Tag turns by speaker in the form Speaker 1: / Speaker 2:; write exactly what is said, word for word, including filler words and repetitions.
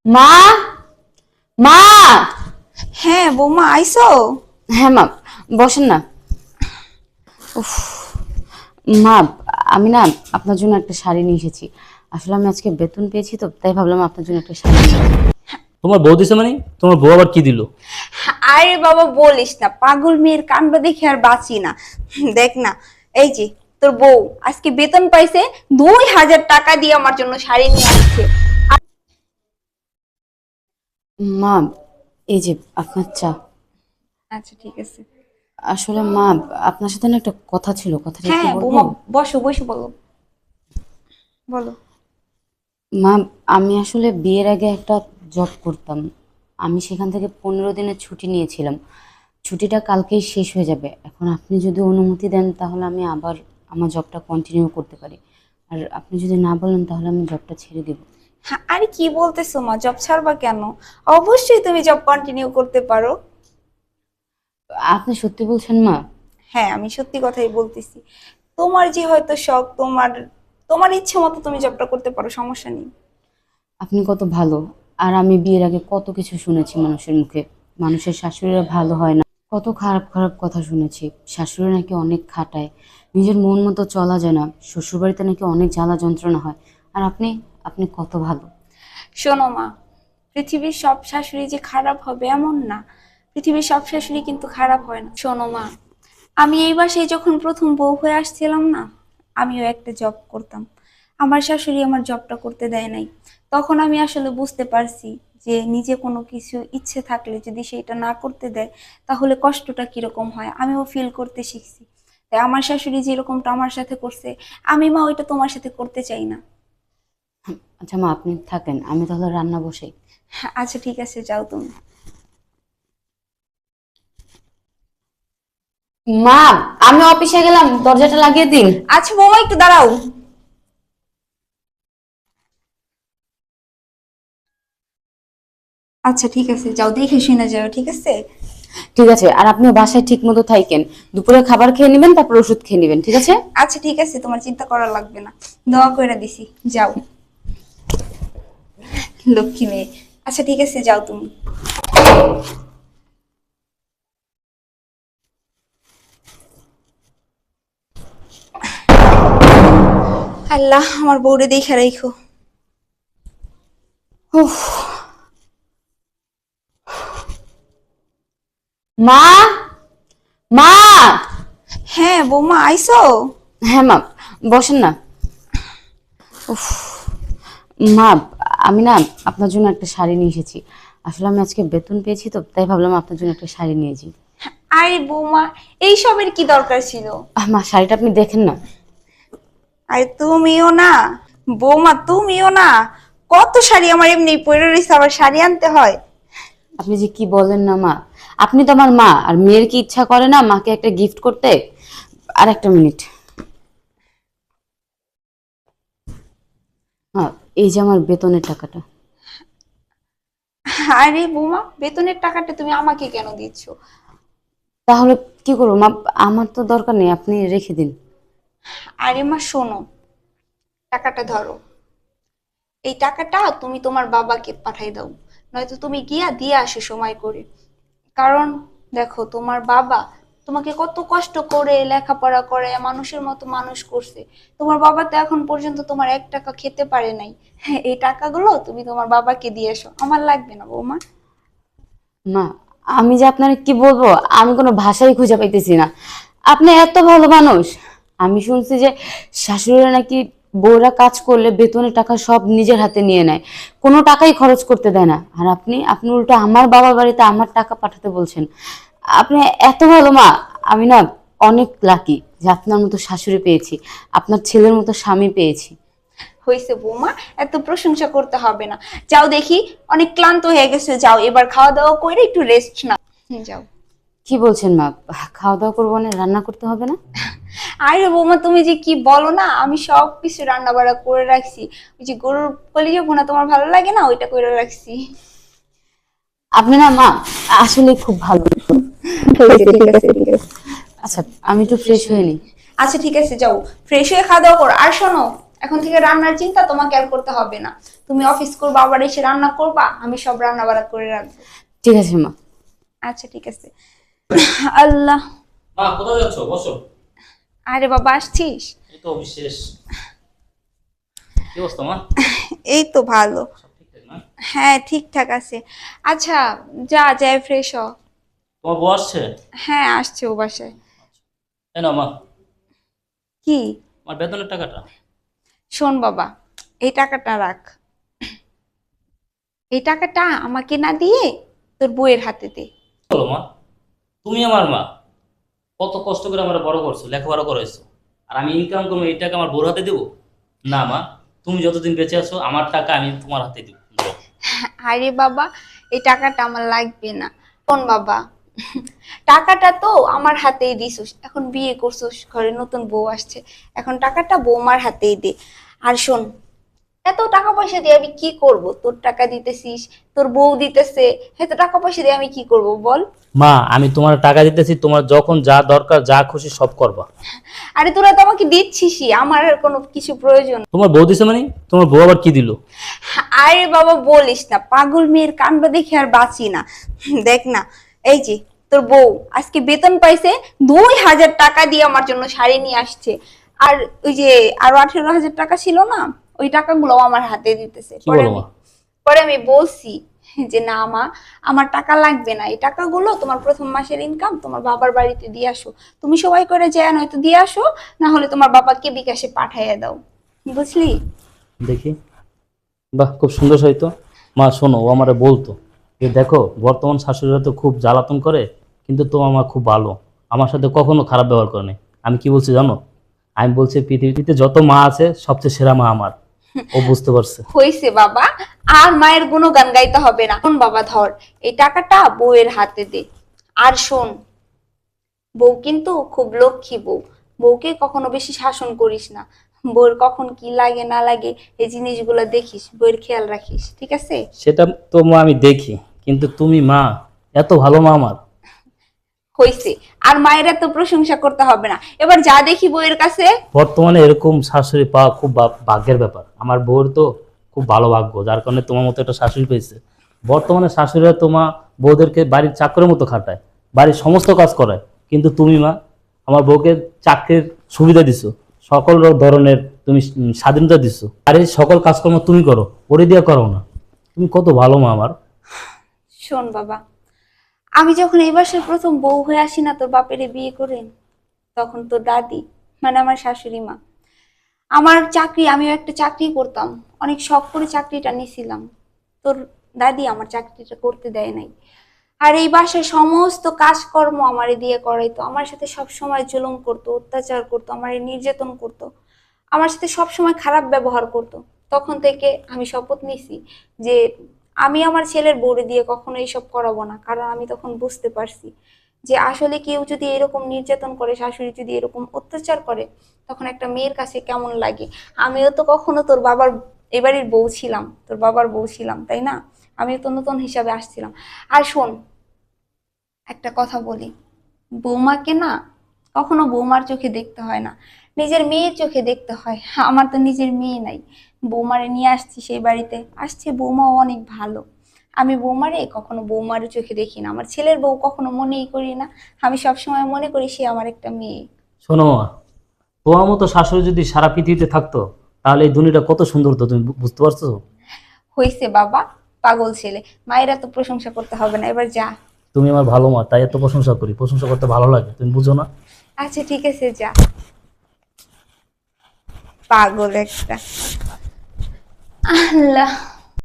Speaker 1: মা মা
Speaker 2: হ্যাঁ বৌমা আইসো।
Speaker 1: হ্যাঁ মা, বসেন না। উফ, মা আমি না আপনার জন্য একটা শাড়ি নিয়ে এসেছি। আসলে আমি আজকে বেতন পেয়েছি, তো তাই ভাবলাম আপনার জন্য একটা শাড়ি নিয়ে আসি।
Speaker 3: তোমার বউ দিছে মানে? তোমার বউ আবার কি দিল?
Speaker 2: আরে বাবা বলিস না, পাগল মেয়ের কাণ্ড দেখে আর বাঁচি না। দেখ না, এই যে তোর বউ আজকে বেতন পাইছে, দুই হাজার টাকা দিয়ে আমার জন্য শাড়ি নিয়ে আসছে।
Speaker 1: মা এই যে আপনার চা।
Speaker 2: আচ্ছা ঠিক আছে।
Speaker 1: আসলে মা আপনার সাথে না একটা কথা ছিল, কথাটা একটু
Speaker 2: হ্যাঁ
Speaker 1: বলবো?
Speaker 2: বৌমা বসো বসো, বলো বলো।
Speaker 1: মা আমি আসলে বিয়ের আগে একটা জব করতাম। আমি সেখান থেকে পনেরো দিনের ছুটি নিয়েছিলাম। ছুটিটা কালকেই শেষ হয়ে যাবে। এখন আপনি যদি অনুমতি দেন তাহলে আমি আবার আমার জবটা কন্টিনিউ করতে পারি। আর আপনি যদি না বলেন তাহলে আমি জবটা ছেড়ে দেব।
Speaker 2: হ্যাঁ, আরে কি বলতেছো মা, জব ছাড়বা কেন? অবশ্যই তুমি জব কন্টিনিউ করতে পারো।
Speaker 1: আপনি সত্যি বলছেন মা?
Speaker 2: হ্যাঁ আমি সত্যি কথাই বলতেছি। তোমার যে হয়তো শখ, তোমার তোমার ইচ্ছে মতো তুমি জবটা করতে পারো, সমস্যা নেই।
Speaker 1: আপনি কত ভালো। আর আমি বিয়ের আগে কত কিছু শুনেছি মানুষের মুখে, মানুষের শাশুড়িরা ভালো হয় না, কত খারাপ খারাপ কথা শুনেছি। শাশুড়ি নাকি অনেক খাটায়, নিজের মন মতো চলা যায় না, শ্বশুরবাড়িতে নাকি অনেক জ্বালা যন্ত্রণা হয়। আর আপনি আপনি কত ভালো।
Speaker 2: শোনো মা, পৃথিবীর সব শাশুড়ি যে খারাপ হবে এমন না। পৃথিবীর সব শাশুড়ি কিন্তু খারাপ হয় না। শোনো মা, আমি এই বাসায় যখন প্রথম বউ হয়ে আসছিলাম না, আমিও একটা জব করতাম। আমার শাশুড়ি আমার জবটা করতে দেয় নাই। তখন আমি আসলে বুঝতে পারছি যে নিজে কোনো কিছু ইচ্ছে থাকলে যদি সেটা না করতে দেয় তাহলে কষ্টটা কিরকম হয়, আমিও ফিল করতে শিখছি। তাই আমার শাশুড়ি যেরকমটা আমার সাথে করছে, আমি মা ওইটা তোমার সাথে করতে চাই না।
Speaker 1: আচ্ছা মা, আপনি থাকেন, আমি তাহলে রান্না বসাই।
Speaker 2: আচ্ছা ঠিক আছে, যাও তুমি।
Speaker 1: মা আমি অফিসে গেলাম, দরজাটা লাগিয়ে দিন।
Speaker 2: আচ্ছা বৌমা একটু দাঁড়াও। আচ্ছা ঠিক আছে, যাও, দেখে শুনে যাও, ঠিক আছে।
Speaker 1: ঠিক আছে, আর আপনি বাসায় ঠিক মতো থাকেন। দুপুরে খাবার খেয়ে নেবেন, তারপর ওষুধ খেয়ে নেবেন, ঠিক আছে?
Speaker 2: আচ্ছা ঠিক আছে, তোমার চিন্তা করা লাগবে না, দোয়া করে দিছি, যাও। লক্ষ্মী মেয়ে। আচ্ছা ঠিক আছে, যাও তুমি। আল্লাহ আমার বউরে দেখে রাখো।
Speaker 1: উফ। মা মা
Speaker 2: হ্যাঁ বৌমা আইসো।
Speaker 1: হ্যাঁ মা, বসেন না। উফ। মা আমি না আপনার জন্য একটা শাড়ি নিয়ে এসেছি। আসলে আমি আজকে বেতন পেয়েছি, তো তাই ভাবলাম আপনার জন্য একটা শাড়ি নিয়েছি।
Speaker 2: আরে বৌমা, এইসবের কি দরকার ছিল?
Speaker 1: আহ, মা শাড়িটা আপনি দেখেন না।
Speaker 2: আরে তুমিও না বৌমা, তুমিও না, কত শাড়ি আমার এমনি পরে রয়েছে, আবার শাড়ি আনতে হয়?
Speaker 1: আপনি যে কি বলেন না মা, আপনি তো আমার মা, আর মেয়ের কি ইচ্ছা করে না মাকে একটা গিফট করতে? আর একটা মিনিট। হ্যাঁ, এই যে আমার বেতনের টাকাটা।
Speaker 2: আরে বৌমা, বেতনের টাকাটা তুমি আমাকে কেন দিচ্ছ?
Speaker 1: তাহলে কি করবো মা, আমার তো দরকার নেই, আপনি রেখে দিন।
Speaker 2: আরে মা শোনো, টাকাটা ধরো। এই টাকাটা তুমি তোমার বাবাকে পাঠাই দাও, নয়তো তুমি গিয়া দিয়ে আসো সময় করে। কারণ দেখো, তোমার বাবা তোমাকে কত কষ্ট করে লেখাপড়া করে মানুষের মতো মানুষ করছে। তোমার বাবা তো এখন পর্যন্ত তোমার এক টাকা খেতে পারে নাই। হ্যাঁ, এই টাকাগুলো তুমি তোমার বাবাকে দিয়ে এসো, আমার লাগবে না বৌমা।
Speaker 1: মা আমি যে আপনার কি বলবো, আমি কোনো ভাষাই খুঁজে পাইতেছি না। আপনি এত ভালো মানুষ। আমি শুনছি যে শাশুড়িরা নাকি বউরা কাজ করলে বেতনের টাকা সব নিজের হাতে নিয়ে নেয়, কোনো টাকাই খরচ করতে দেয় না। আর আপনি আপনি উল্টো আমার বাবার বাড়িতে আমার টাকা পাঠাতে বলছেন। আপনি এত ভালো মা। আমি না অনেক লাকি যে আপনার মতো শাশুড়ি পেয়েছি, আপনার ছেলের মতো স্বামী পেয়েছি।
Speaker 2: হয়েছে বৌমা, এত প্রশংসা করতে হবে না। যাও দেখি, অনেক ক্লান্ত হয়ে গেছে, যাও এবার খাওয়া দাওয়া করে একটু রেস্ট নাও। হুম, যাও।
Speaker 1: কি বলছেন মা, খাওয়া দাওয়া করবো না, রান্না করতে হবে না?
Speaker 2: আরে বৌমা, তুমি যে কি বলো না, আমি সব কিছু রান্না বাড়া করে রাখছি। ওই যে গরুর কলিজা ভুনা তোমার ভালো লাগে না, ওইটা করে রাখছি।
Speaker 1: আপনি না মা আসলে খুব ভালো।
Speaker 2: ঠিক আছে ঠিক আছে।
Speaker 1: আচ্ছা আমি একটু ফ্রেশ হয়ে নিই।
Speaker 2: আচ্ছা ঠিক আছে, যাও ফ্রেশ হয়ে খাওয়া দাওয়া করো। আর শোনো, এখন থেকে রান্নার চিন্তা তোমাকে আর করতে হবে না। তুমি অফিস করবা, আবার এসে রান্না করবা, আমি সব রান্না বাড়া করে রাখবো।
Speaker 1: ঠিক আছে মা।
Speaker 2: আচ্ছা ঠিক আছে। আল্লাহ,
Speaker 3: মা কোথায় যাচ্ছ? বসো।
Speaker 2: আরে বাবা আসছিস?
Speaker 3: এই তো বিশেষ। কি অবস্থা মা?
Speaker 2: এই তো ভালো।
Speaker 3: সব ঠিকঠাক না?
Speaker 2: হ্যাঁ ঠিকঠাক আছে। আচ্ছা যা, যাই ফ্রেশ হ।
Speaker 3: তোমার বউ আসছে?
Speaker 2: হ্যাঁ আসছে ও বাসায়।
Speaker 3: এই না মা,
Speaker 2: কি?
Speaker 3: আমার বেতনের টাকাটা।
Speaker 2: শোন বাবা, এই টাকাটা রাখ। এই টাকাটা আমাকে না দিয়ে তোর বউয়ের হাতে দে।
Speaker 3: বলো মা, তুমি আমার মা, কত কষ্ট করে আমার বড় করছো, লেখাপড়া করাইছো, আর আমি ইনকাম করবো এই টাকা আমার বউর হাতে দেবো? না মা, তুমি যতদিন বেঁচে আছো আমার টাকা আমি তোমার হাতে দেবো। দাও।
Speaker 2: আরে বাবা, এই টাকাটা আমার লাগবে না। শোন বাবা, টাকাটা তো আমার হাতেই দিছিস, এখন বিয়ে করছিস, ঘরে নতুন বউ আসছে, এখন টাকাটা বৌমার হাতেই দে। আর শোন, এত টাকা পয়সা দিয়ে আমি কি করব? তোর টাকা দিতেছিস, তোর বউ দিতেছে, এত টাকা পয়সা দিয়ে আমি কি করব বল?
Speaker 3: মা, আমি তোমার টাকা দিতেছি, তোমার যখন যা দরকার যা খুশি সব করবা।
Speaker 2: আরে তোরা তো আমাকে দিচ্ছিসই, আমার আর কোনো কিছু প্রয়োজন।
Speaker 3: তোমার বউ দিছে মানে? তোমার বউ আবার কি দিল?
Speaker 2: আরে বাবা বলিস না, পাগল মেয়ের কাণ্ড দেখে আর বাঁচি না। দেখ না, এই যে তোর বউ আজকে বেতন পাইছে, দুই হাজার টাকা দিয়ে আমার জন্য শাড়ি নিয়ে আসছে। আর ওই যে আরো আঠেরো হাজার টাকা ছিল না, ওই টাকাগুলো আমার হাতে দিতেছে।
Speaker 3: কি
Speaker 2: পরে
Speaker 3: বলো
Speaker 2: আমি
Speaker 3: মা?
Speaker 2: পরে আমি বলছি যে না মা, আমার টাকা লাগবে না, এই টাকাগুলো তোমার প্রথম মাসের ইনকাম তোমার বাবার বাড়িতে দিয়ে আসো, তুমি সবাই করে যায় নয়তো দিয়ে আসো, না হলে তোমার বাবাকে বিকাশে পাঠাইয়া দাও, বুঝলি?
Speaker 3: দেখি, বাহ, খুব সুন্দর হইতো। মা শোনো, ও আমারে বলতো যে দেখো বর্তমান শাশুড়িরা তো খুব জ্বালাতন করে, কিন্তু তোমার মা খুব ভালো, আমার সাথে কখনো খারাপ ব্যবহার করে নাই। আমি কি বলছি জানো? আমি বলছি পৃথিবীতে যত মা আছে সবচেয়ে সেরা মা আমার। ও বুঝতে পারছে।
Speaker 2: হইছে বাবা, আর মায়ের গুণগান গাইতে হবে না। শোন বাবা, ধর এই টাকাটা বউয়ের হাতে দে। আর শোন, বউ কিন্তু খুব লক্ষ্মী বউ, বউকে কখনো বেশি শাসন করিস না। বউর কখন কি লাগে না লাগে এই জিনিসগুলো দেখিস, বউয়ের খেয়াল রাখিস, ঠিক আছে?
Speaker 3: সেটা তো মা আমি দেখি, কিন্তু তুমি মা, এত ভালো মা আমার।
Speaker 2: হইছে, আর মায়ের এত প্রশংসা করতে হবে না। এবার যা দেখি বউয়ের কাছে।
Speaker 3: বর্তমানে এরকম শাশুড়ি পাওয়া খুব ভা- ভাগ্যের ব্যাপার। আমার বউর তো খুব ভালো ভাগ্য, যার কারণে তোমার মতো একটা শাশুড়ি পেয়েছে। বর্তমানে শাশুড়িরা তোমার বউদেরকে বাড়ির চাকরের মতো খাটায়, বাড়ির সমস্ত কাজ করায়, কিন্তু তুমি মা আমার বউকে চাকরির সুবিধা দিছো, সকল ধরনের তুমি উম, স্বাধীনতা দিছো, বাড়ির সকল কাজকর্ম তুমি করো, ওরে দিয়ে করো না। তুমি কত ভালো মা আমার।
Speaker 2: শোন বাবা, আমি যখন এই বাসার প্রথম বউ হয়ে আসি না তোর বাপেরে বিয়ে করে, তখন তোর দাদি মানে আমার শাশুড়ি মা, আমার চাকরি, আমিও একটা চাকরি করতাম, অনেক শখ করে চাকরিটা নিয়েছিলাম, তোর দাদি আমার চাকরিটা করতে দেয় নাই। আর এই বাসায় সমস্ত কাজকর্ম আমারে দিয়ে করাইতো, আমার সাথে সব সময় জুলুম করতো, অত্যাচার করতো, আমারে নির্যাতন করতো, আমার সাথে সব সময় খারাপ ব্যবহার করতো। তখন থেকে আমি শপথ নিছি যে আমি আমার ছেলের বউরে দিয়ে কখনো এইসব করাবো না, কারণ আমি তখন বুঝতে পারছি যে আসলে কেউ যদি এরকম নির্যাতন করে, শাশুড়ি যদি এরকম অত্যাচার করে, তখন একটা মেয়ের কাছে কেমন লাগে। আমিও তো কখনো তোর বাবার এবারের বউ ছিলাম, তোর বাবার বউ ছিলাম, তাই না? আমিও তো নতুন হিসাবে আসছিলাম। আর শোন, একটা কথা বলি, বৌমাকে না কখনো বৌমার চোখে দেখতে হয় না, নিজের মেয়ের চোখে দেখতে হয়। আমার তো নিজের মেয়ে নাই, বৌমারে নিয়ে আসছি সেই বাড়িতে, আসছে বৌমাও অনেক ভালো, আমি বৌমারে কখনো বৌমার চোখে দেখি না, আমার ছেলের বউ কখনো মনেই করি না, আমি সবসময় মনে করি সে আমার একটা মেয়ে।
Speaker 3: শোনো মা, তোমার মতো শাশুড়ি যদি সারা পৃথিবীতে থাকতো তাহলে এই দুনিয়াটা কত সুন্দর হতো, তুমি বু- বুঝতে পারছো?
Speaker 2: হইছে বাবা, পাগল ছেলে, মায়েরা তো প্রশংসা করতে হবে না, এবার যা।
Speaker 3: তুমি আমার ভালো মা, তাই এত প্রশংসা করি, প্রশংসা করতে ভালো লাগে, তুমি বুঝো না?
Speaker 2: আচ্ছা ঠিক আছে যা, পাগল একটা। আল্লাহ।